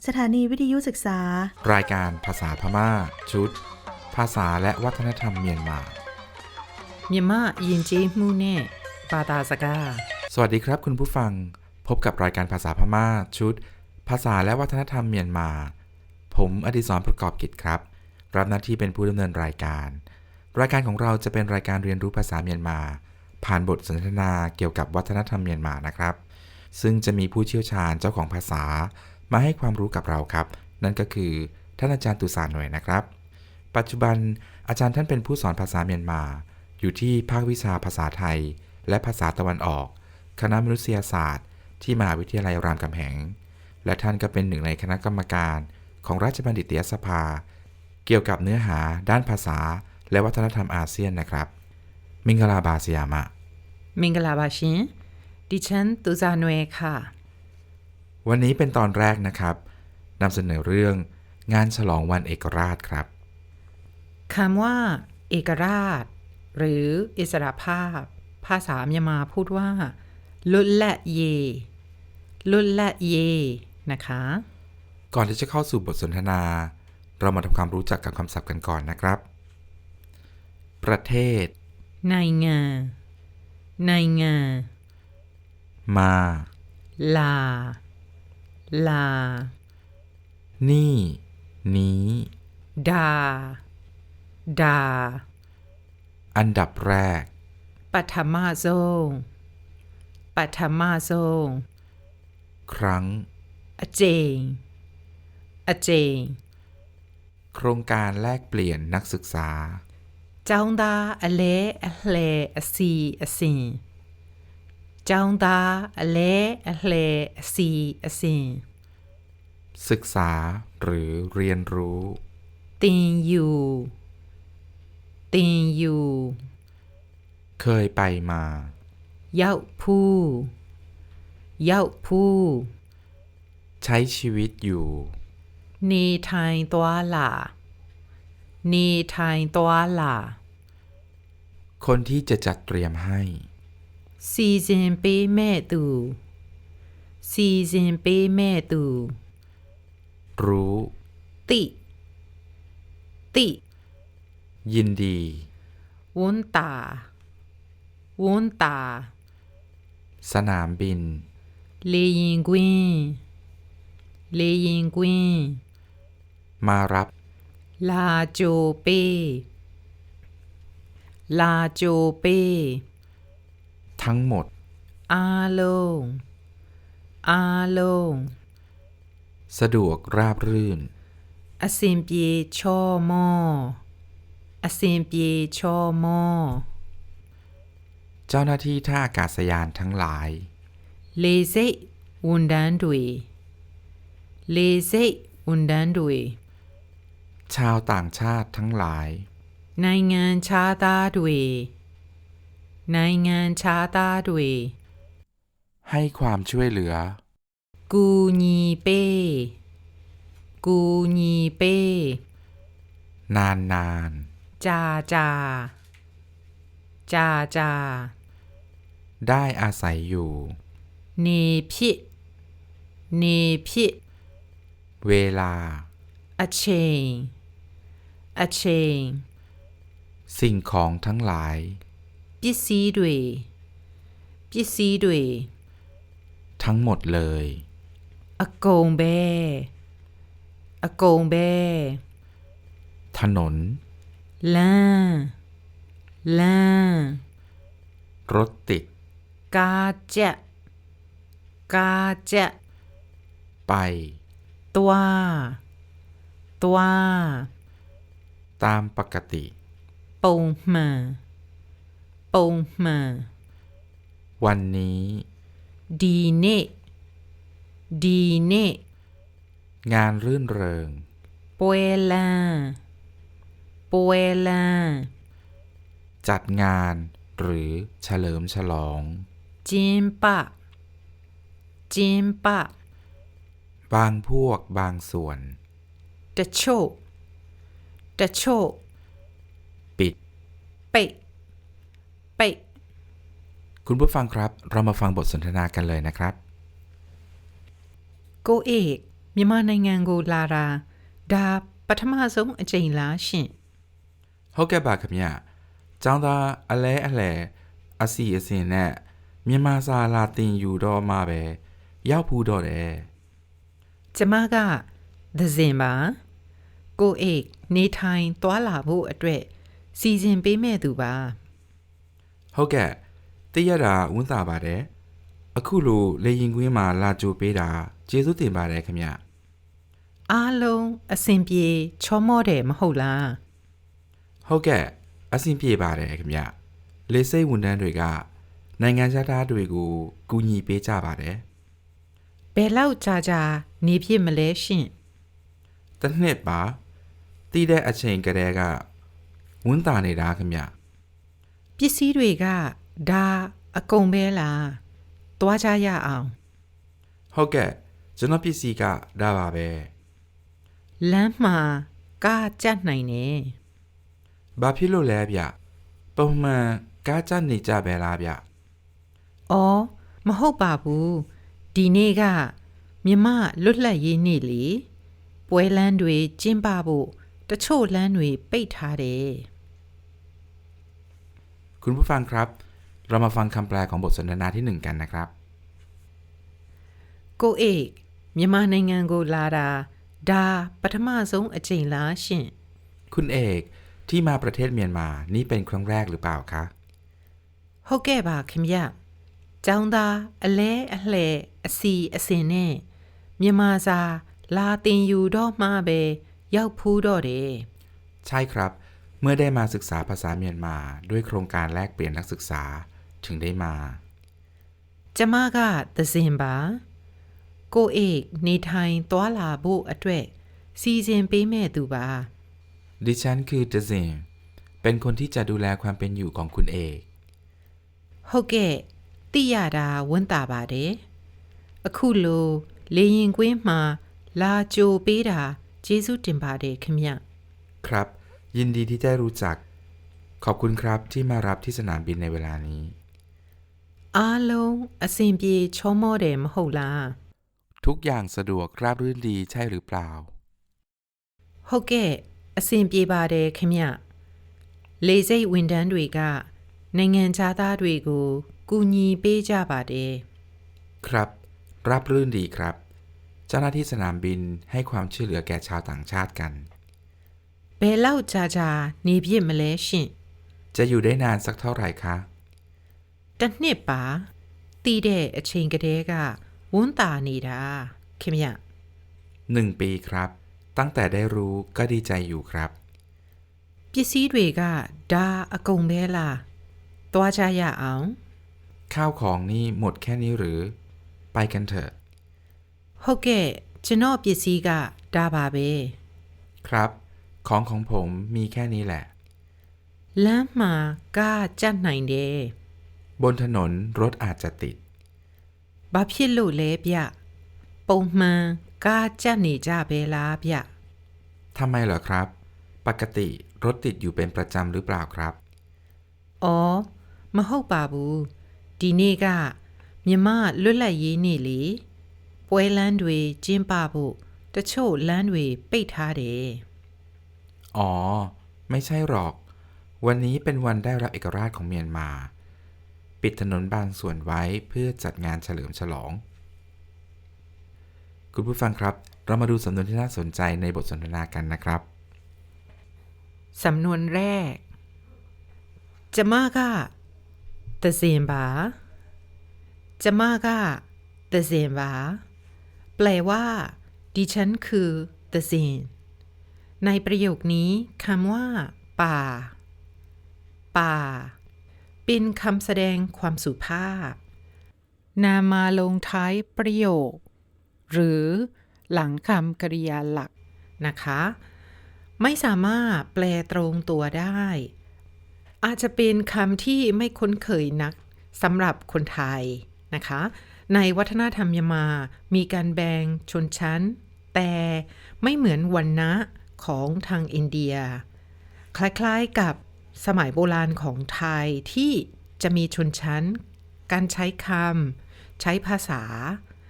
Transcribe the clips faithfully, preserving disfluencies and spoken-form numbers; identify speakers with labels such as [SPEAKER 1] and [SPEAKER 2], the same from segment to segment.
[SPEAKER 1] สถานีวิทยุศึกษาร
[SPEAKER 2] ายการภาษาพม่าชุดภาษาและวัฒนธรรมเมียนมา
[SPEAKER 3] မြန်မာယဉ်ကျေးမှုနဲ့ဘာသာစကား
[SPEAKER 2] สวัสดีครับคุณผู้ฟังพบกับรายการภาษาพม่าชุดภาษาและวัฒนธรรมเมียนมาผมอดิศรประกอบกิจครับรับหน้าที่เป็นผู้ดำเนินรายการรายการของเราจะเป็นรายการเรียนรู้ภาษาเมียนมาผ่านบทสนทนาเกี่ยวกับวัฒนธรรมเมียนมานะครับซึ่งจะมีผู้เชี่ยวชาญเจ้าของภาษามาให้ความรู้กับเราครับนั่นก็คือท่านอาจารย์ตุสานหน่วยนะครับปัจจุบันอาจารย์ท่านเป็นผู้สอนภาษาเมียนมาอยู่ที่ภาควิชาภาษาไทยและภาษาตะวันออกคณะมนุษยศาสตร์ที่มหาวิทยาลัยรามคำแหงและท่านก็เป็นหนึ่งในคณะกรรมการของราชบัณฑิตยสภาเกี่ยวกับเนื้อหาด้านภาษาและวัฒนธรรมอาเซียนนะครับมิงกลาบาสยามะ
[SPEAKER 3] မင်္ဂလာပါရှင်ดิฉันตุซาหน่วยค่ะ
[SPEAKER 2] วันนี้เป็นตอนแรกนะครับนำเสนอเรื่องงานฉลองวันเอกราชครับ
[SPEAKER 3] คำว่าเอกราชหรืออิสรภาพภาษาเมียนมาพูดว่าลุละเยลุละเยนะคะ
[SPEAKER 2] ก่อนที่จะเข้าสู่บทสนทนาเรามาทำความรู้จักกับคำศัพท์กันก่อนนะครับประเทศ
[SPEAKER 3] နိုင်ငံနိုင်ငံ
[SPEAKER 2] มา
[SPEAKER 3] ลาลา
[SPEAKER 2] นี่นี้
[SPEAKER 3] ดาดา
[SPEAKER 2] อันดับแรก
[SPEAKER 3] ปฐมโซงปฐมโซง
[SPEAKER 2] ครั้ง
[SPEAKER 3] อเจงอเจง
[SPEAKER 2] โครงการแลกเปลี่ยนนักศึกษา
[SPEAKER 3] ကျောင်းသားအလဲအလှဲအစီအစဉ်ကျောင်းသားအလဲအလှဲအစီအစဉ်
[SPEAKER 2] ศึกษาหรือเรียนรู้
[SPEAKER 3] သင်ယူသင်ယူ
[SPEAKER 2] เคยไปมา
[SPEAKER 3] ရောက်ဖူးရောက်ဖူး
[SPEAKER 2] ใช้ชีวิตอยู่
[SPEAKER 3] နေထိုင်သွားလာနေထိုင်သွားလာ
[SPEAKER 2] คนที่จะจัดเตรียมให้
[SPEAKER 3] စီစဉ်ပေးမဲ့သူစီစဉ်ပေးမဲ့သူ
[SPEAKER 2] รู้
[SPEAKER 3] ติติ
[SPEAKER 2] ยินดี
[SPEAKER 3] ဝန်တာဝန်တာ
[SPEAKER 2] สนามบิน
[SPEAKER 3] လေရင်ကွင်းလေရင်ကွင်း
[SPEAKER 2] มารับ
[SPEAKER 3] လာကြိုပေးလာကြိုပေး
[SPEAKER 2] ทั้งหมด
[SPEAKER 3] အားလုံးအားလုံး
[SPEAKER 2] สะดวกราบรื่น
[SPEAKER 3] အစင်ပြေချောမောအစင်ပြေချောမော
[SPEAKER 2] เจ้าหน้าที่ท่าอากาศยานทั้งหลาย
[SPEAKER 3] လေစိတ်ဝန်တန်းတွေလေစိတ်ဝန်တန်းတွေ
[SPEAKER 2] ชาวต่างชาติทั้งหลาย
[SPEAKER 3] နိုင်ငံခြားသားတွေနိုင်ငံခြားသားတွေ
[SPEAKER 2] ให้ความช่วยเหลือ
[SPEAKER 3] ကူညီပေးကူညီပေး
[SPEAKER 2] นานนาน
[SPEAKER 3] ကြာကြာကြာကြာ
[SPEAKER 2] ได้อาศัยอยู่
[SPEAKER 3] နေဖြစ်နေဖြစ်
[SPEAKER 2] เวลา
[SPEAKER 3] အချိန်အချိန်
[SPEAKER 2] สิ่งของทั้งหลาย
[SPEAKER 3] ပစ္စည်းတွေပစ္စည်းတွေ
[SPEAKER 2] ทั้งหมดเลย
[SPEAKER 3] အကုန်ပဲအကုန်ပဲ
[SPEAKER 2] ถนน
[SPEAKER 3] လမ်းလမ်း
[SPEAKER 2] รถติด
[SPEAKER 3] ကားကြက်ကားကြက်
[SPEAKER 2] ไป
[SPEAKER 3] သွားသွား
[SPEAKER 2] ตามปกติ
[SPEAKER 3] ပုံမှန်ပုံမှန်
[SPEAKER 2] วันนี้
[SPEAKER 3] ဒီနေ့ဒီနေ့
[SPEAKER 2] งานรื่นเริง
[SPEAKER 3] ပွဲလမ်းပွဲလမ်း
[SPEAKER 2] จัดงานหรือเฉลิมฉลอง
[SPEAKER 3] ကျင်းပကျင်းပ
[SPEAKER 2] บางพวกบางส่วน
[SPEAKER 3] တချို့တချို့
[SPEAKER 2] ปิด
[SPEAKER 3] ပိတ်ပိတ်
[SPEAKER 2] คุณผู้ฟังครับเรามาฟังบทสนทนากันเลยนะครับ
[SPEAKER 3] ကိုเอกမြန်မာနိုင်ငံကိုလာတာဒါပထမဆုံးအကြိမ်လားရှင့်
[SPEAKER 2] ဟုတ်ကဲ့ပါခင်ဗျကျောင်းသားအလဲအလှဲအစီအစဉ်နဲ့မြန်မာစာလာသင်ယူတော့မှပဲရောက်ဖူးတော့တယ်
[SPEAKER 3] ကျမကသဇင်ပါကိုအိတ်နေထိုင်သွားလာဖို့အတွက်စီစဉ်ပေးမဲ့သူပါ
[SPEAKER 2] ဟုတ်ကဲ့တည့်ရတာဝန်တာပါတယ်အခုလိုလေရင်ကွင်းမှာလာကြိုပေးတာကျေးဇူးတင်ပါတယ်ခင်ဗျ
[SPEAKER 3] အားလုံးအဆင်ပြေချောမောတယ်မဟုတ်လား
[SPEAKER 2] ဟုတ်ကဲ့အဆင်ပြေပါတယ်ခင်ဗျလေစိတ်ဝန်ထမ်းတွေကနိုင်ငံခြားသားတွေကိုကူညီပေးကြပါတယ်
[SPEAKER 3] ဘယ်လောက်ကြာကြာနေဖြစ်မလဲရှင့်
[SPEAKER 2] တစ်နှစ်ပါတည်တဲ့အချိန်ကလေးကဝန်တာနေတာခင်ဗျ
[SPEAKER 3] ပစ္စည်းတွေကဒါအကုန်ပဲလားသွားကြရအောင်
[SPEAKER 2] ဟုတ်ကဲ့ကျွန်တော်ပစ္စည်းကဒါပါပဲ
[SPEAKER 3] လမ်းမှာကားကြက်နိုင်တယ်
[SPEAKER 2] ဘာဖြစ်လို့လဲဗျပုံမှန်ကားကြနေကြပဲလားဗျ
[SPEAKER 3] ။အော်မဟုတ်ပါဘူးဒီနေ့ကမြမလွတ်လပ်ရေးနေ့လေပွဲလမ်းတွေကျင်းပဖို့တချို့လမ်းတွေပိတ်ထားတယ်
[SPEAKER 2] คุณผู้ฟังครับเรามาฟังคำแปลของบทสนทนาที่หนึ่งกันนะครับ
[SPEAKER 3] ။ကိုအိတ်မြမနိုင်ငံကိုလာတာဒါပထမဆုံးအကြိမ်လားရှင့်
[SPEAKER 2] คุณเอกที่มาประเทศเมียนมานี่เป็นครั้งแรกหรือเปล่าคะ
[SPEAKER 3] ။ဟုတ်ကဲ့ပါခင်ဗျ။ကျောင်းသားအလဲအလှဲအစီအစဉ်နဲ့မြမစာလာတင်ယူတော့မှပဲရောက်ဖူးတော့တယ်
[SPEAKER 2] ใช่ครับเมื่อได้มาศึกษาภาษาเมียนมาด้วยโครงการแลกเปลี่ยนนักศึกษาถึงได้มา
[SPEAKER 3] ။ကျမကသဇင်ပါကိုအိတ်နေထိုင်သွားလာဖို့အတွက်စီစဉ်ပေးမဲ့သူပါ
[SPEAKER 2] ดิฉันคือเจซินเป็นคนที่จะดูแลความเป็นอยู่ของคุณเอก
[SPEAKER 3] ဟုတ်ကဲ့သိရတာဝန်တာပါတယ်အခုလိုလေရင်ကွင်းမှာလာကြိုပေးတာကျေးဇူးတင်ပါတယ်ခင်ဗျ
[SPEAKER 2] ครับ ยินดีที่ได้รู้จัก ขอบคุณครับที่มารับที่สนามบินในเวลานี้
[SPEAKER 3] အားလုံးအဆင်ပြေချောမောတယ်မဟုတ်လား
[SPEAKER 2] ทุกอย่างสะดวกราบรื่นดีใช่หรือเปล่า
[SPEAKER 3] ဟုတ်ကဲ့အဆင်ပြေပါတယ်ခင်ဗျလေစိတ်ဝန်ထမ်းတွေကနိုင်ငံခြားသားတွေကိုကူညီပေးကြပါတယ်
[SPEAKER 2] ครับราบรื่นดีครับ เจ้าหน้าที่สนามบินให้ความช่วยเหลือแก่ชาวต่างชาติกัน
[SPEAKER 3] ဘယ်လောက်ကြာကြာနေဖြစ်မလဲရှင့်
[SPEAKER 2] จะอยู่ได้นานสักเท่าไหร่คะ
[SPEAKER 3] တစ်နှစ်ပါတည်တဲ့အချိန်ကတည်းကဝန်တာနေတာခင်ဗျ
[SPEAKER 2] หนึ่งปีครับ ตั้งแต่ได้รู้ก็ดีใจอยู่ครับ
[SPEAKER 3] ပစ္စည်းတွေကဒါအကုန်ပဲလားသွားကြရအောင်
[SPEAKER 2] ข้าวของนี่หมดแค่นี้หรือ ไปกันเถอะ
[SPEAKER 3] ဟုတ်ကဲ့ကျွန်တော်ပစ္စည်းကဒါပါပဲ
[SPEAKER 2] ครับ ของของผมมีแค่นี้แหละ
[SPEAKER 3] လမ်းမှာကားကြက်နိုင်တယ်
[SPEAKER 2] บนถนนรถอาจจะติด
[SPEAKER 3] ဘာဖြစ်လို့လဲဗျပုံမှန်ကားကြက်နေကြပဲလားဗျ
[SPEAKER 2] ทำไมเหรอครับ ปกติรถติดอยู่เป็นประจำหรือเปล่าครับ
[SPEAKER 3] အော်မဟုတ်ပါဘူးဒီနေ့ကမြမလွတ်လပ်ရေးနေ့လေပွဲလမ်းတွေကျင်းပဖို့တချို့လမ်းတွေပိတ်ထားတယ်
[SPEAKER 2] อ๋อ ไม่ใช่หรอก วันนี้เป็นวันได้รับเอกราชของเมียนมา ปิดถนนบางส่วนไว้เพื่อจัดงานเฉลิมฉลอง คุณผู้ฟังครับ เรามาดูสำนวนที่น่าสนใจในบทสนทนากันนะครับ
[SPEAKER 3] สำนวนแรกကျမကသဇင်ပါကျမကသဇင်ပါแปลว่าดิฉันคือသဇင်ในประโยคนี้คำว่าป่าป่าเป็นคำแสดงความสุภาพนามาลงท้ายประโยคหรือหลังคำกริยาหลักนะคะไม่สามารถแปลตรงตัวได้อาจจะเป็นคำที่ไม่คุ้นเคยนักสำหรับคนไทยนะคะในวัฒนธรรมเมียนมามีการแบ่งชนชั้นแต่ไม่เหมือนวรรณะของทางอินเดียคล้ายๆกับสมัยโบราณของไทยที่จะมีชนชั้นการใช้คำใช้ภาษา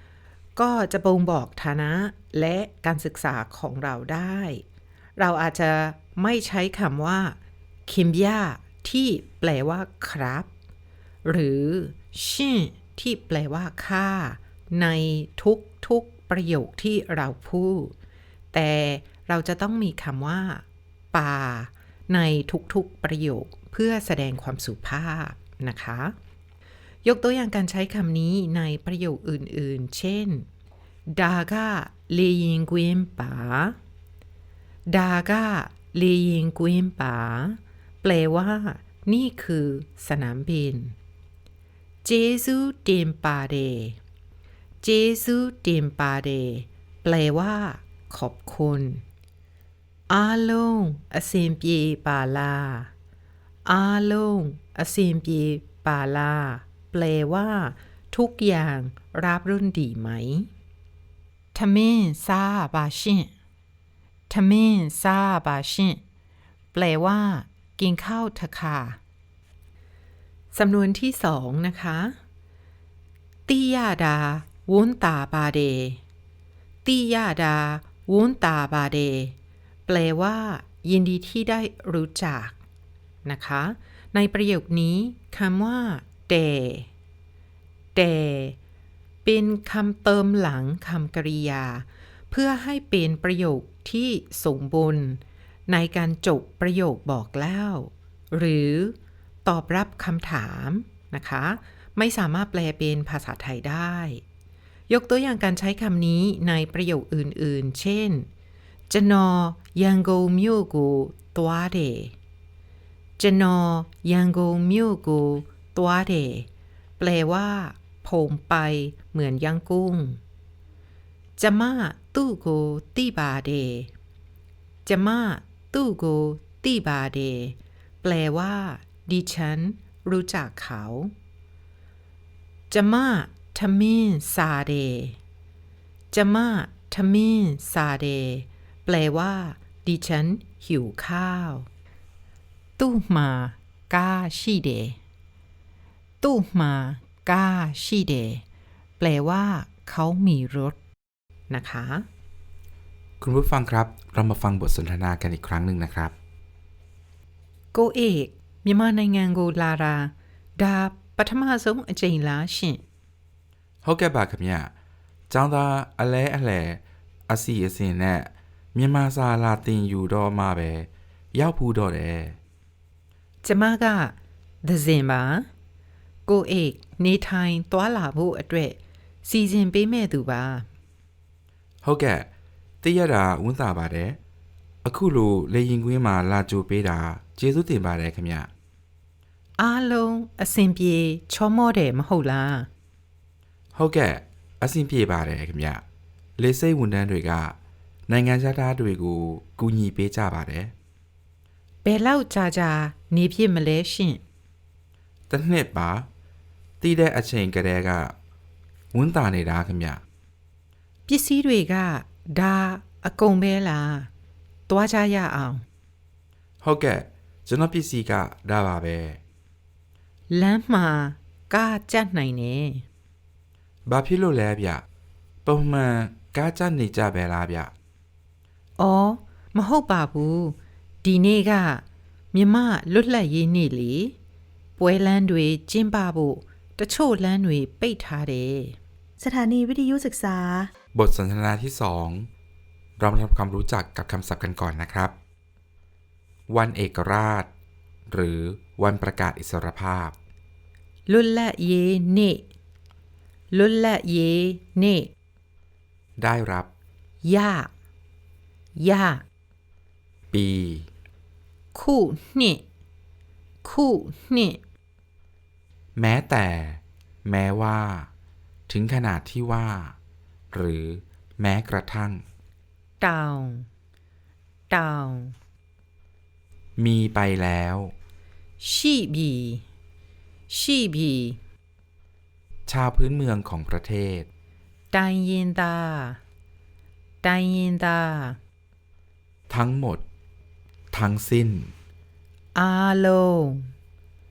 [SPEAKER 3] ก็จะบ่งบอกฐานะและการศึกษาของเราได้ เราอาจจะไม่ใช้คำว่าคิมยาที่แปลว่าครับ หรือชิที่แปลว่าค่าในทุกๆประโยคที่เราพูด แต่เราจะต้องมีคำว่าป่าในทุกๆประโยคเพื่อแสดงความสุภาพนะคะยกตัวอย่างการใช้คำนี้ในประโยคอื่นๆเช่นดากาเลยิงกวินป่าดากาเลยิงกวินป่าแปลว่านี่คือสนามบินเจซูเตมปาเดเจซูเตมปาเดแปลว่าขอบคุณအားလုံးအဆင်ပြေပါလားအားလုံးအဆင်ပြေပါလားแปลว่าทุกอย่างราบรื่นดีไหมทมินซาบาชินทมินซาบาชินแปลว่ากินข้าวเถอะค่ะสำนวนที่สองนะคะติยาดาวุ้นตาบาเดติยาดาวุ้นตาบาเดแปลว่ายินดีที่ได้รู้จักนะคะในประโยคนี้คำว่าแต่แต่เป็นคำเติมหลังคำกริยาเพื่อให้เป็นประโยคที่สมบูรณ์ในการจบประโยคบอกเล่าหรือตอบรับคำถามนะคะไม่สามารถแปลเป็นภาษาไทยได้ยกตัวอย่างการใช้คำนี้ในประโยคอื่นๆเช่นကျွန်တော်ရန်ကုန်မြို့ကိုသွားတယ်ကျွန်တော်ရန်ကုန်မြို့ကိုသွားတယ်แปลว่าผมไปเหมือนย่างกุ้งจะมาตู้โกตีบาเดจะมาตู้โกตีบาเดแปลว่าดิฉันรู้จักเขาจะมาทมินซาเดจะมาทมินซาเดแปลว่าดิฉันหิวข้าวตู้มากาชิเดตู้มากาชิเดแปลว่าเขามีรถนะคะ
[SPEAKER 2] คุณผู้ฟังครับเรามาฟังบทสนทนากันอีกครั้งหนึ่งนะครับ
[SPEAKER 3] ကိုเอกမြန်မာနိုင်ငံကိုလာတာဒါပထမဆုံးအကြိမ်လားရှင်
[SPEAKER 2] ဟုတ်ကဲ့ပါခင်ဗျကျောင်းသားအလဲအလဲအစီအစဉ်နဲ့မြန်မာစာလာသင်ယူတော့မှပဲရောက်ဘူးတော့တယ်
[SPEAKER 3] ကျမကသဇင်ပါကိုเอกနေထိုင်သွားလာဖို့အတွက်စီစဉ်ပေးမဲ့သူပါ
[SPEAKER 2] ဟုတ်ကဲ့တည့်ရတာဝန်တာပါတယ်အခုလိုလေရင်ကွင်းမှာလာကြိုပေးတာကျေးဇူးတင်ပါတယ်ခင်ဗျ
[SPEAKER 3] အားလုံးအဆင်ပြေချောမောတယ်မဟုတ်လား
[SPEAKER 2] ဟုတ်ကဲ့အဆင်ပြေပါတယ်ခင်ဗျလေစိတ်ဝန်ထမ်းတွေကနိုင်ငံခြားသားတွေကိုကူညီပေးကြပါတယ်
[SPEAKER 3] ဘယ်လောက်ကြာကြာနေဖြစ်မလဲရှင်
[SPEAKER 2] တစ်နှစ်ပါတည်တဲ့အချိန်ကလေးကဝန်တာနေတာခင်ဗျ
[SPEAKER 3] ပစ္စည်းတွေကဒါအကုန်ပဲလားတွားကြရအောင်
[SPEAKER 2] ဟုတ်ကဲ့ကျွန်တော်ပစ္စည်းကဒါပါပဲ
[SPEAKER 3] လမ်းမှာကားကြက်နိုင်တယ်
[SPEAKER 2] ဘာဖြစ်လို့လဲဗျပုံမှန်ကားကြနေကြပဲလားဗျ
[SPEAKER 3] အော်မဟုတ်ပါဘူးဒီနေ့ကမြမလွတ်လပ်ရေးနေ့လေပွဲလမ်းတွေကျင်းပဖို့တချို့လမ်းတွေပိတ်ထားတယ်
[SPEAKER 1] สถานีวิทยุศึกษา
[SPEAKER 2] บทสนทนาที่สองเรามาทำความรู้จักกับคำศัพท์กันก่อนนะครับวันเอกราชหรือวันประกาศอิสรภาพ
[SPEAKER 3] လွတ်လပ်ရေးနေ့လွတ်လပ်ရေးနေ့
[SPEAKER 2] ได้รับ
[SPEAKER 3] ရရ
[SPEAKER 2] ปี
[SPEAKER 3] ခုနှစ်ခုနှစ်
[SPEAKER 2] แม้แต่แม้ว่าถึงขนาดที่ว่าหรือแม้กระทั่ง
[SPEAKER 3] တောင်တောင်
[SPEAKER 2] มีไปแล้ว
[SPEAKER 3] ရှိပြီရှိပြီ
[SPEAKER 2] ชาวพื้นเมืองของประเทศ
[SPEAKER 3] တိုင်းရင်းသားတိုင်းရင်းသား
[SPEAKER 2] ทั้งหมดทั้งสิ้น
[SPEAKER 3] အားလုံး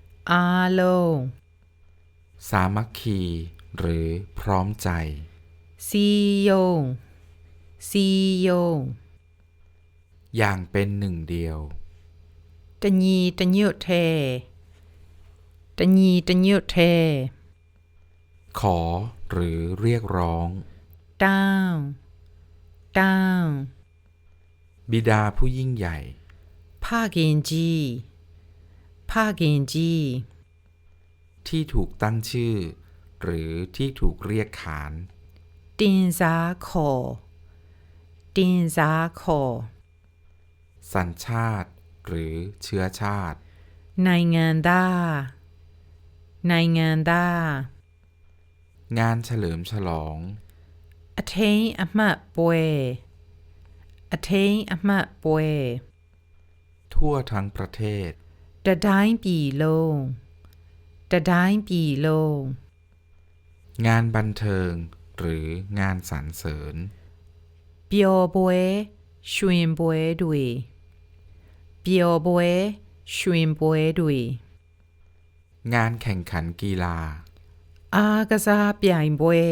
[SPEAKER 3] အားလုံး
[SPEAKER 2] สามัคคีหรือพร้อมใจ
[SPEAKER 3] စီယုံစီယုံ
[SPEAKER 2] อย่างเป็นหนึ่งเดียว
[SPEAKER 3] တညီတညွတ်ထဲတညီတညွတ်ထဲ
[SPEAKER 2] ขอหรือเรียกร้อง
[SPEAKER 3] တောင်းတောင်း
[SPEAKER 2] บิดาผู้ยิ่งใหญ่
[SPEAKER 3] ဖခင်ကြီးဖခင်ကြီး
[SPEAKER 2] ที่ถูกตั้งชื่อ หรือที่ถูกเรียกขาน
[SPEAKER 3] တင်စားခေါ်တင်စားခေါ်
[SPEAKER 2] สัญชาติ หรือเชื้อชาติ
[SPEAKER 3] နိုင်ငံသားနိုင်ငံသား
[SPEAKER 2] งานเฉลิมฉลอง
[SPEAKER 3] အထိန်အမှတ်ပွဲအထိန်အမှတ်ပွဲ
[SPEAKER 2] ทั่วทั้งประเทศ
[SPEAKER 3] တတိုင်းပြည်လုံးတတိုင်းပြည်လုံး
[SPEAKER 2] งานบันเทิง หรืองานสรรเสริญ
[SPEAKER 3] ပျော်ပွဲရွှင်ပွဲတွေပျော်ပွဲရွှင်ပွဲတွေ
[SPEAKER 2] งานแข่งขันกีฬา
[SPEAKER 3] အားကစားပြိုင်ပွဲ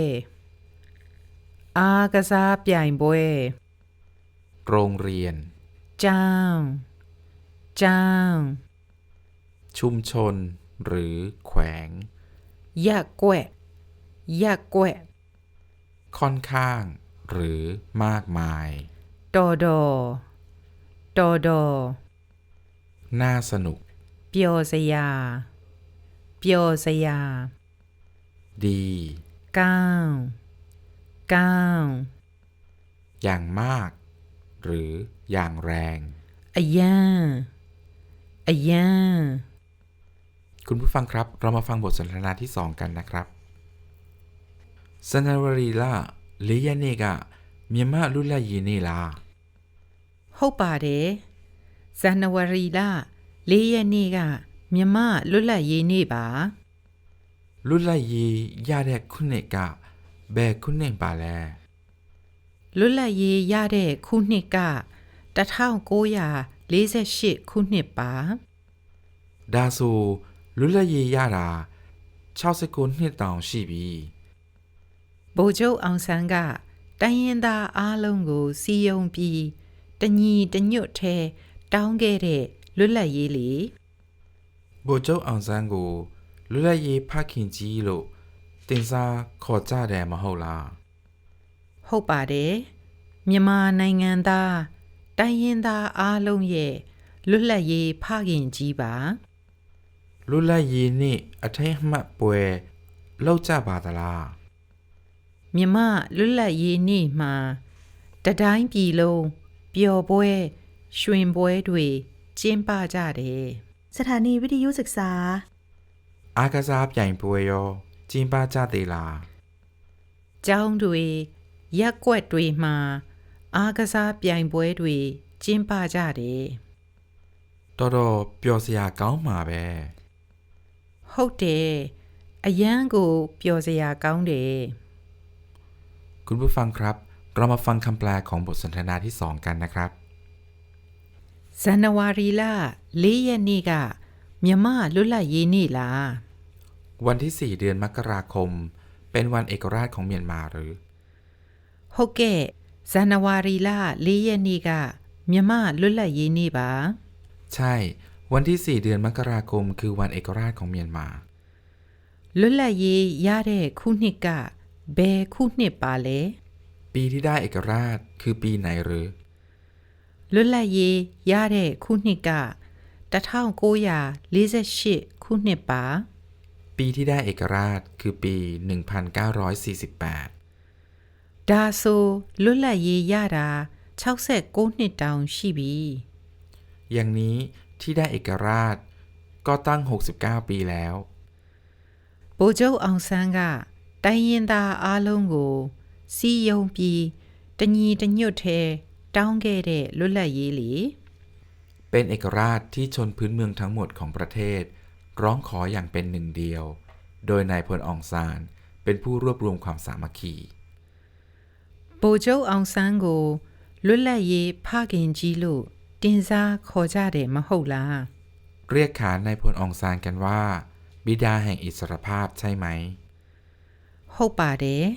[SPEAKER 3] အားကစားပြိုင်ပွဲ
[SPEAKER 2] โรงเรียน
[SPEAKER 3] ကျောင်းကျောင်း
[SPEAKER 2] ชุมชน หรือแขวง
[SPEAKER 3] ရက်ကွက်ရက်ကွက်
[SPEAKER 2] ค่อนข้าง หรือมากมาย
[SPEAKER 3] တော်တော်တော်တော်
[SPEAKER 2] น่าสนุก
[SPEAKER 3] ပျော်စရာပျော်စရာ
[SPEAKER 2] ดี
[SPEAKER 3] ကောင်းကောင်း
[SPEAKER 2] อย่างมาก หรืออย่างแรง
[SPEAKER 3] အယံအယံ
[SPEAKER 2] คุณผู้ฟังครับ เรามาฟังบทสนทนาที่สองกันนะครับဇန်နဝါရီလလေးရက်နေ့ကမြန်မာလူလတ်ရေးနေ့လား
[SPEAKER 3] ဟုတ်ပါတယ်ဇန်နဝါရီလလေးရက်နေ့ကမြမလွတ်လပ်ရေးနေ့ပါ
[SPEAKER 2] လူလတ်ရေးရတဲ့ခုနှစ်ကဘယ်ခုနှစ်ပါလဲ
[SPEAKER 3] လွတ်လပ်ရေးရတဲ့ခုနှစ်ကတစ်ထောင်ကိုးရာလေးဆယ်ရှစ်ခုနှစ်ပါ
[SPEAKER 2] ဒါဆိုလူလတ်ရေးရတာ၆၉နှစ်တောင်ရှိပြီ
[SPEAKER 3] ဗိုလ်ချုပ်အောင်ဆန်းကတိုင်းရင်းသားအားလုံးကိုစီယုံပြီးတညီတညွတ်ထဲတောင်းခဲ့တဲ့လွတ်လပ်ရေးလေ
[SPEAKER 2] ဗိုလ်ချုပ်အောင်ဆန်းကိုလူလတ်ရေးဖခင်ကြီးလို့တင်စားခေါ်ကြတယ်မဟုတ်လား
[SPEAKER 3] ဟုတ်ပါတယ်မြန်မာနိုင်ငံသားတိုင်းရင်းသားအားလုံးရဲ့လွတ်လပ်ရေးဖခင်ကြီးပါ
[SPEAKER 2] လူလတ်ရေးနေ့အထိမ်းအမှတ်ပွဲလောက်ကြပါသလား
[SPEAKER 3] မြမလွတ်လပ်ရေးနေ့မှာတတိုင်းပြည်လုံးပျော်ပွဲရွှင်ပွဲတွေကျင်းပကြတယ်
[SPEAKER 1] สถานีวิทยุศึกษา
[SPEAKER 2] အားကစားပြိုင်ပွဲရောကျင်းပကြသေးလား
[SPEAKER 3] ကျောင်းတွေရက်ကွက်တွေမှာအားကစားပြိုင်ပွဲတွေကျင်းပကြတယ်
[SPEAKER 2] တော်တော်ပျော်စရာကောင်းမှာပဲ
[SPEAKER 3] ဟုတ်တယ်အယံကိုပျော်စရာကောင်းတယ်
[SPEAKER 2] คุณผู้ฟังครับ เรามาฟังคำแปลของบทสนทนาที่สองกันนะครับ
[SPEAKER 3] ဇန်နဝါရီလလေးရက်နေ့ကမြမလွတ်လပ်ရေးနေ့လား
[SPEAKER 2] วันที่สี่เดือนมกราคม เป็นวันเอกราชของเมียนมาหรือ
[SPEAKER 3] ဟုတ်ကဲ့ဇန်နဝါရီလလေးရက်နေ့ကမြမလွတ်လပ်ရေးနေ့ပါ
[SPEAKER 2] ใช่ วันที่สี่เดือนมกราคม คือวันเอกราชของเมียนมา
[SPEAKER 3] လွတ်လပ်ရေးရတဲ့ခုနှစ်ကဘယ်ခုနှစ်ပါလဲ
[SPEAKER 2] ปีที่ได้เอกราชคือปีไหนหรือ
[SPEAKER 3] လွတ်လပ်ရေးရတဲ့ခုနှစ်ကတစ်ထောင်ကိုးရာလေးဆယ်ရှစ်ခုနှစ်ပါ
[SPEAKER 2] ปีที่ได้เอกราชคือปีหนึ่งพันเก้าร้อยสี่สิบแปด
[SPEAKER 3] ဒါဆိုလွတ်လပ်ရေးရတာ၆၉နှစ်တောင်ရှိပြီ
[SPEAKER 2] อย่างนี้ที่ได้เอกราชก็ตั้งหกสิบเก้าปีแล้ว
[SPEAKER 3] ဗိုလ်ချုပ်အောင်ဆန်းကတိုင်းရင်းသားအားလုံးကိုစီယုံပြီးတညီတညွတ်ထဲတောင်းခဲ့တဲ့လွတ်လပ်ရေးလေ
[SPEAKER 2] เป็นเอกราชที่ชนพื้นเมืองทั้งหมดของประเทศ ร้องขออย่างเป็นหนึ่งเดียว โดยนายพลอองซานเป็นผู้รวบรวมความสามัคคี
[SPEAKER 3] ဗိုလ်ချုပ်အောင်ဆန်းကိုလွတ်လပ်ရေးဖခင်ကြီးလို့တင်စားခေါ်ကြတယ်မဟုတ်လား
[SPEAKER 2] เรียกขานนายพลอองซานกันว่า บิดาแห่งอิสรภาพใช่ไหม
[SPEAKER 3] ဟုတ်ပါတယ်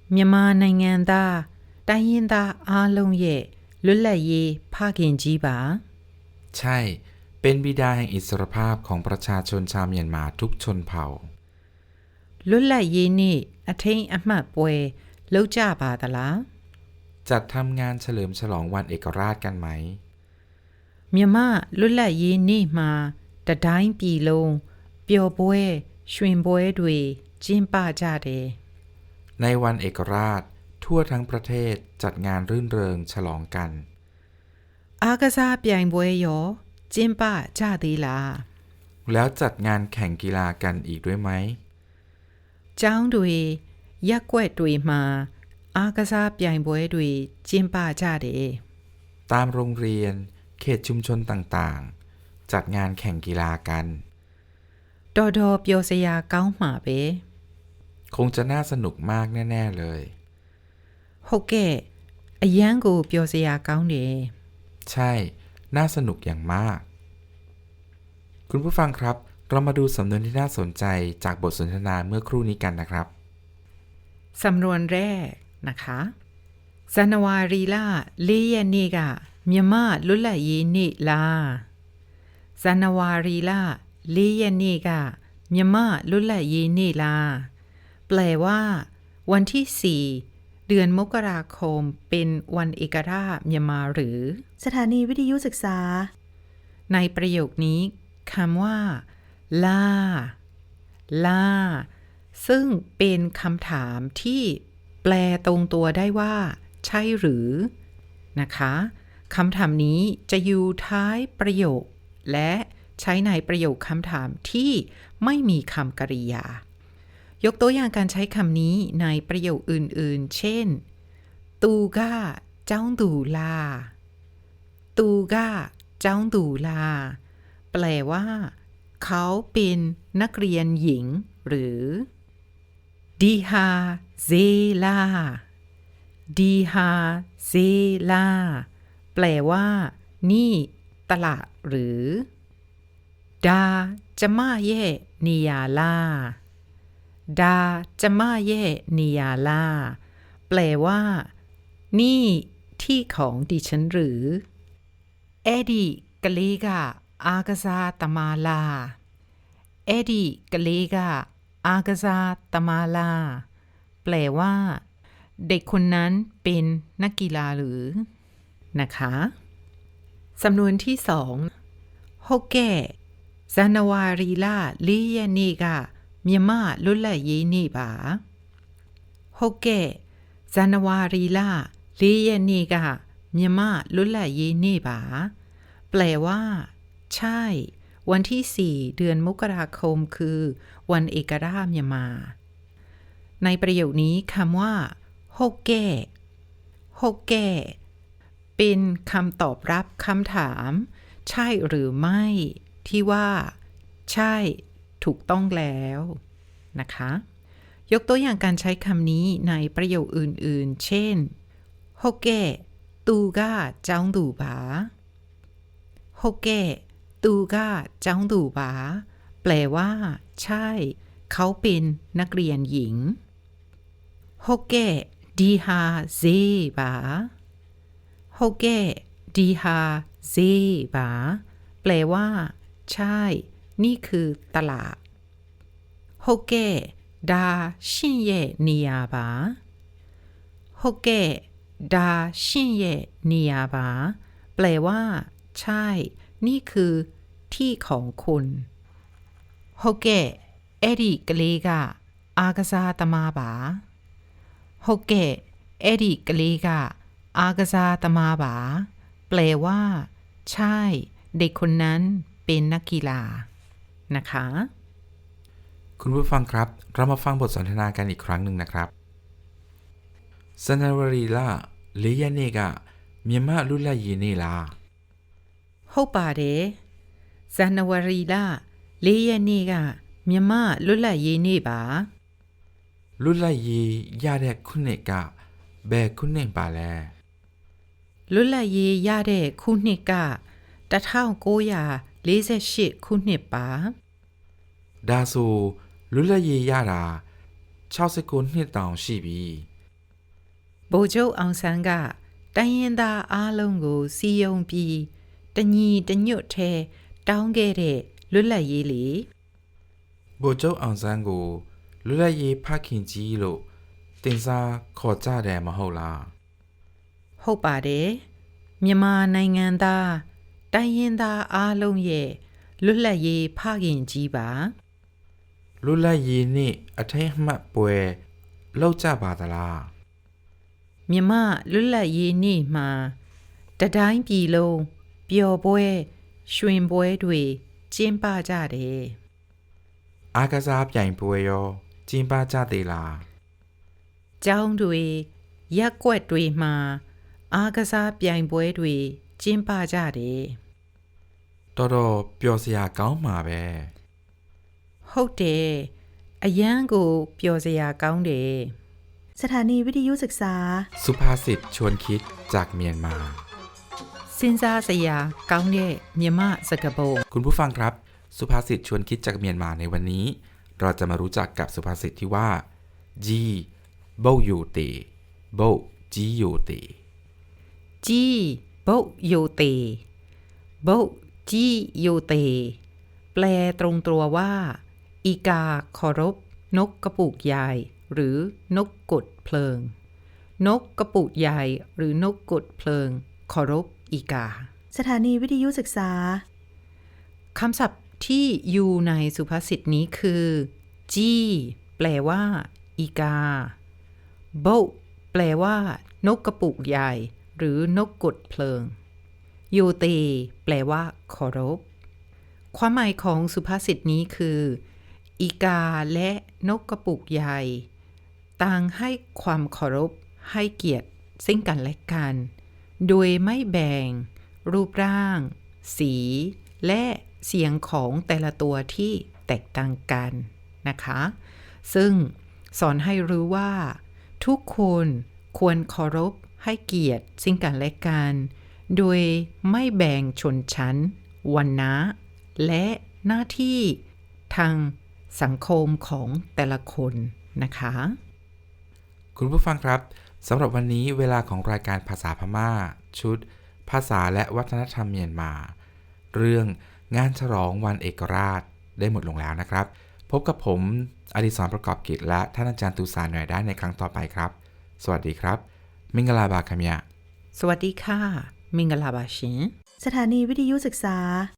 [SPEAKER 3] မြန်မာနိုင်ငံသားတိုင်းရင်းသားအားလုံးရဲ့လွတ်လပ်ရေးဖခင်ကြီးပါ
[SPEAKER 2] ใช่ เป็นบิดาแห่งอิสรภาพของประชาชนชาวเมียนมาทุกชนเผ่า
[SPEAKER 3] လွတ်လပ်ရေးနေ့အထိမ်းအမှတ်ပွဲလုပ်ကြပါသလား
[SPEAKER 2] จัดทำงานเฉลิมฉลองวันเอกราชกันไหม
[SPEAKER 3] မြန်မာလွတ်လပ်ရေးနေ့မှာတတိုင်းပြည်လုံးပျော်ပွဲရွှင်ပွဲတွေကျင်းပကြတယ်
[SPEAKER 2] ในวันเอกราชทั่วทั้งประเทศจัดงานรื่นเริงฉลองกัน
[SPEAKER 3] အားကစားပြိုင်ပွဲရောကျင်းပကြသေးလား
[SPEAKER 2] แล้วจัดงานแข่งกีฬากันอีกด้วยไหม
[SPEAKER 3] ကျောင်းတွေရက်ကွက်တွေမှာအားကစားပြိုင်ပွဲတွေကျင်းပကြတယ်
[SPEAKER 2] ตามโรงเรียนเขตชุมชนต่างๆ จัดงานแข่งกีฬากัน
[SPEAKER 3] တော်တော်ပျော်စရာကောင်းမှာပဲ
[SPEAKER 2] คงจะน่าสนุกมากแน่ๆเลย
[SPEAKER 3] ဟုတ်ကဲ့အရန်ကိုပျော်စရာကောင်းတယ်
[SPEAKER 2] ใช่ น่าสนุกอย่างมาก คุณผู้ฟังครับ เรามาดูสำนวนที่น่าสนใจจากบทสนทนาเมื่อครู่นี้กันนะครับ
[SPEAKER 3] สำนวนแรกนะคะဇန်နဝါရီလ၄ရက်နေ့ကမြန်မာလွတ်လပ်ရေးနေ့လားဇန်နဝါရီလ၄ရက်နေ့ကမြန်မာလွတ်လပ်ရေးနေ့လားแปลว่า วันที่สี่เดือนมกราคมเป็นวันเอกราชမြန်မာหรือ
[SPEAKER 1] สถานีวิทยุศึกษา
[SPEAKER 3] ในประโยคนี้คำว่าล่าล่าซึ่งเป็นคำถามที่แปลตรงตัวได้ว่าใช่หรือนะคะคำถามนี้จะอยู่ท้ายประโยคและใช้ในประโยคคำถามที่ไม่มีคำกริยายกตัวอย่างการใช้คำนี้ในประโยคอื่นๆเช่นตูก้าเจ้าดูลาตูก้าเจ้าดูลาแปลว่าเขาเป็นนักเรียนหญิงหรือดีฮาเซลาดีฮาเซลาแปลว่านี่ตลาดหรือดาจะมาเย่นิยาลาดาจะมาเย่นิยาลาแปลว่านี่ที่ของดิฉันหรือเอดีกะเลกาอากาซาตมาลาเอดีกะเลกาอากาซาตมาลาแปลว่าเด็กคนนั้นเป็นนักกีฬาหรือนะคะสำนวนที่สองโฮแก่ဇန်နဝါရီလ၄ရက်နေ့ကမြန်မာလွတ်လပ်ရေးနေ့ပါဟုတ်ကဲ့ဇန်နဝါရီလ၄ရက်နေ့ကမြန်မာလွတ်လပ်ရေးနေ့ပါแปลว่าใช่วันที่สี่เดือนมกราคมคือวันเอกราชမြန်မာในประโยคนี้คำว่าโฮแก่โฮแก่เป็นคำตอบรับคำถามใช่หรือไม่ที่ว่าใช่ถูกต้องแล้วนะคะยกตัวอย่างการใช้คำนี้ในประโยคอื่นๆเช่นโฮแก่ตูก้าเจ้าดูบาโฮแก่ตูก้าเจ้าดูบาแปลว่าใช่เขาเป็นนักเรียนหญิงโฮแก่ดีฮาเซบาโฮแก่ดีฮาเซบาแปลว่าใช่นี่คือตลาดโฮแก่ดาชินเย่นิยาบาโฮแก่ดาชินเย่นิยาบาแปลว่าใช่นี่คือที่ของคุณโฮแก่เอดิกะเลกาอากาซาตมาบาโฮแก่เอดิกะเลกาอากาซาตมาบาแปลว่าใช่เด็กคนนั้นเป็นนักกีฬานะคะ
[SPEAKER 2] คุณผู้ฟังครับเรามาฟังบทสนทนากันอีกครั้งหนึ่งนะครับဇန်နဝါရီလ၄ရက်နေ့ကမြန်မာလွတ်လပ်ရေးနေ့လား
[SPEAKER 3] ဟုတ်ပါတယ်ဇန်နဝါရီလ၄ရက်နေ့ကမြန်မာလွတ်လပ်ရေးနေ့ပါ
[SPEAKER 2] လွတ်လပ်ရေးရတဲ့ခုနှစ်ကဘယ်ခုနှစ်ပါလဲ
[SPEAKER 3] လွတ်လပ်ရေးရတဲ့ခုနှစ်က၁၉၄၈ခုနှစ်ပါ
[SPEAKER 2] ဒါဆိုလွတ်လပ်ရေးရတာ၆၉နှစ်တောင်ရှိပြီ
[SPEAKER 3] ဗိုလ်ချုပ်အောင်ဆန်းကတိုင်းရင်းသားအားလုံးကိုစီယုံပြီးတညီတညွတ်ထဲတောင်းခဲ့တဲ့လွတ်လပ်ရေးလေ
[SPEAKER 2] ဗိုလ်ချုပ်အောင်ဆန်းကိုလွတ်လပ်ရေးဖခင်ကြီးလို့တင်စားခေါ်ကြတယ်မဟုတ်လား
[SPEAKER 3] ဟုတ်ပါတယ်မြန်မာနိုင်ငံသားတိုင်းရင်းသားအားလုံးရဲ့လွတ်လပ်ရေးဖခင်ကြီးပါ
[SPEAKER 2] လွတ်လပ်ရေးနေ့အထိမ်းအမှတ်ပွဲလောက်ကြပါသလား
[SPEAKER 3] မြန်မာလွတ်လပ်ရေးနေ့မှာတတိုင်းပြည်လုံးပျော်ပွဲရွှင်ပွဲတွေကျင်းပကြတယ်
[SPEAKER 2] အားကစားပြိုင်ပွဲရောကျင်းပကြသေးလား
[SPEAKER 3] ကျောင်းတွေရက်ကွက်တွေမှာအားကစားပြိုင်ပွဲတွေကျင်းပကြတယ်
[SPEAKER 2] တော်တော်ပျော်စရာကောင်းမှာပဲ
[SPEAKER 3] ဟုတ်တယ်အရန်ကိုပျော်စရာကောင်းတယ်
[SPEAKER 1] สถานีวิทยุศึกษา
[SPEAKER 2] สุภาษิตชวนคิดจากเมียนมา
[SPEAKER 3] စဉ်းစားစရာကောင်းတဲ့မြမစကားပုံ
[SPEAKER 2] คุณผู้ฟังครับ สุภาษิตชวนคิดจากเมียนมาในวันนี้ เราจะมารู้จักกับสุภาษิตที่ว่าจีโบยูตีโบจียูตี
[SPEAKER 3] ကြီးဘုတ်ယိုတေဘုတ်ကြီးယိုတေแปลตรงตัวว่าอีกาเคารพนกกระปุกใหญ่หรือนกกดเพลิงนกกระปุกใหญ่หรือนกกดเพลิงเคารพอีกา
[SPEAKER 1] สถานีวิทยุศึกษา
[SPEAKER 3] คำศัพท์ที่อยู่ในสุภาษิตนี้คือจี้แปลว่าอีกาโบแปลว่านกกระปุกใหญ่หรือนกกดเพลิงโยเตแปลว่าเคารพความหมายของสุภาษิตนี้คืออีกาและนกกระปุกใหญ่ต่างให้ความเคารพให้เกียรติซึ่งกันและกันโดยไม่แบ่งรูปร่างสีและเสียงของแต่ละตัวที่แตกต่างกันนะคะซึ่งสอนให้รู้ว่าทุกคนควรเคารพให้เกียรติซึ่งกันและกันโดยไม่แบ่งชนชั้นวรรณะและหน้าที่ทางสังคมของแต่ละคนนะคะ
[SPEAKER 2] คุณผู้ฟังครับสำหรับวันนี้เวลาของรายการภาษาพม่า ชุด ภาษาและวัฒนธรรมเมียนมา เรื่องงานฉลองวันเอกราชได้หมดลงแล้วนะครับ พบกับผมอดิศรประกอบกิจและท่านอาจารย์ตูสาหน่อยได้ในครั้งต่อไปครับ สวัสดีครับมิงกลาบาคาเมีย
[SPEAKER 3] สวัสดีค่ะมิงกลาบาชิน
[SPEAKER 1] สถานีวิทยุศึกษา